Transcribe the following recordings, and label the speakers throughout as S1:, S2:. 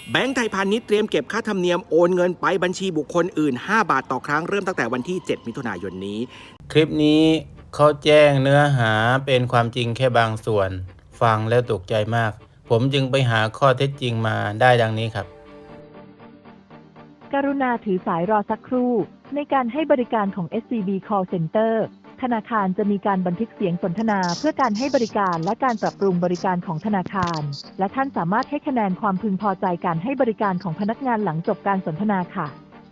S1: แบงก์ไทยพาณิชย์เตรียมเก็บค่าธรรมเนียมโอนเงินไปบัญชีบุคคลอื่น5 บาทต่อครั้งเริ่มตั้งแต่วันที่7 มิถุนายนนี้
S2: คลิปนี้เขาแจ้งเนื้อหาเป็นความจริงแค่บางส่วนฟังแล้วตกใจมากผมจึงไปหาข้อเท็จจริงมาได้ดังนี้ครับ
S3: กรุณาถือสายรอสักครู่ในการให้บริการของ SCB Call Center ธนาคารจะมีการบันทึกเสียงสนทนาเพื่อการให้บริการและการปรับปรุงบริการของธนาคารและท่านสามารถให้คะแนนความพึงพอใจการให้บริการของพนักงานหลังจบการสนทนาค่ะ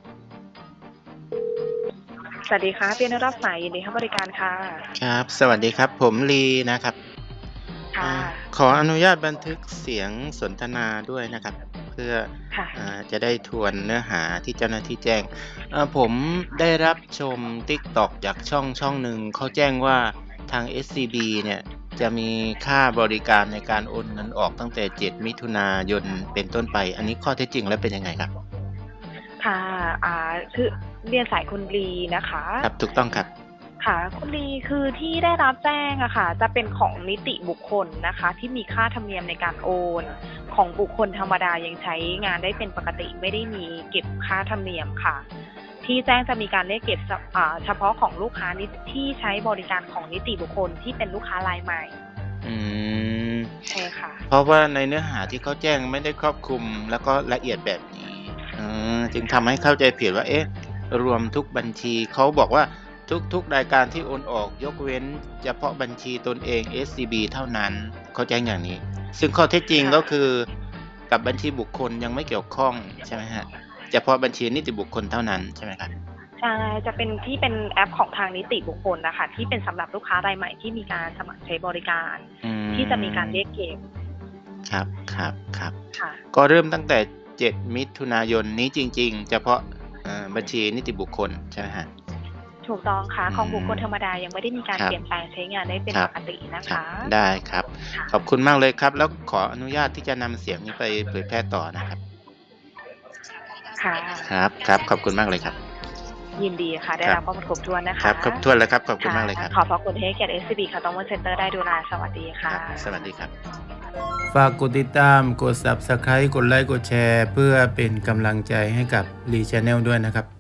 S4: สวัสดีค่ะเป็นรับสายยินดีให้บริการค่ะ
S5: ครับสวัสดีครับผมลีนะครับ
S4: ค่ะ
S5: ขออนุญาตบันทึกเสียงสนทนาด้วยนะครับเพื่อจะได้ทวนเนื้อหาที่เจ้าหน้าที่แจ้งผมได้รับชม TikTok จากช่องหนึ่งเขาแจ้งว่าทาง SCB เนี่ยจะมีค่าบริการในการโอนเงินออกตั้งแต่7 มิถุนายนเป็นต้นไปอันนี้ข้อเท็จจริงแล้วเป็นยังไงครับ
S4: ค่ะคือเรียนสายคุณลีนะคะ
S5: ครับถูกต้องครับ
S4: ค่ะคุณลีคือที่ได้รับแจ้งอะค่ะจะเป็นของนิติบุคคลนะคะที่มีค่าธรรมเนียมในการโอนของบุคคลธรรมดายังใช้งานได้เป็นปกติไม่ได้มีเก็บค่าธรรมเนียมค่ะที่แจ้งจะมีการเรียกเก็บเฉพาะของลูกค้าที่ใช้บริการของนิติบุคคลที่เป็นลูกค้ารายใหม่ใช่ค่ะ
S5: เพราะว่าในเนื้อหาที่เขาแจ้งไม่ได้ครอบคลุมแล้วก็ละเอียดแบบนี้จึงทำให้เข้าใจผิดว่ารวมทุกบัญชีเขาบอกว่าทุกรายการที่โอนออกยกเว้นเฉพาะบัญชีตนเอง SCB เท่านั้นเขาแจ้งอย่างนี้ซึ่งข้อเท็จจริงก็คือกับบัญชีบุคคลยังไม่เกี่ยวข้องใช่ไหมฮะเฉพาะบัญชีนิติบุคคลเท่านั้นใช่ไหมครับ
S4: ใช่จะเป็นที่เป็นแอปของทางนิติบุคคลนะคะที่เป็นสำหรับลูกค้ารายใหม่ที่มีการสมัครใช้บริการที่จะมีการเรียกเก็บ
S5: ครับ
S4: ค่ะ
S5: ก็เริ่มตั้งแต่7 มิถุนายนนี้จริงๆเฉพาะบัญชีนิติบุคคลใช่ไหมฮะ
S4: ถูกต้องค่ะของบุคคลธรรมดายังไม่ได้มีการเปลี่ยนแปลงใช้งานได้เป็นปกตินะคะ
S5: ได้ครับขอบคุณมากเลยครับแล้วขออนุญาตที่จะนำเสียงนี้ไปเผยแพร่ต่อนะครับ
S4: ค่ะ
S5: ครับขอบคุณมากเลยครับ
S4: ยินดีค่ะได้รับข้อมูลครบถ้วนนะคะ
S5: ครับครบถ้วนแล้วครับขอบคุณมากเลยครับ
S4: ขอบพระคุณที่ให้เกียรติ SCB ค่ะต้องวันเซ็นเตอร์ได้ดูแลสวัสดีค่ะ
S5: สวัสดีครับ
S2: ฝากกดติดตามกด Subscribe กดไลค์กดแชร์เพื่อเป็นกำลังใจให้กับลี Channel ด้วยนะครับ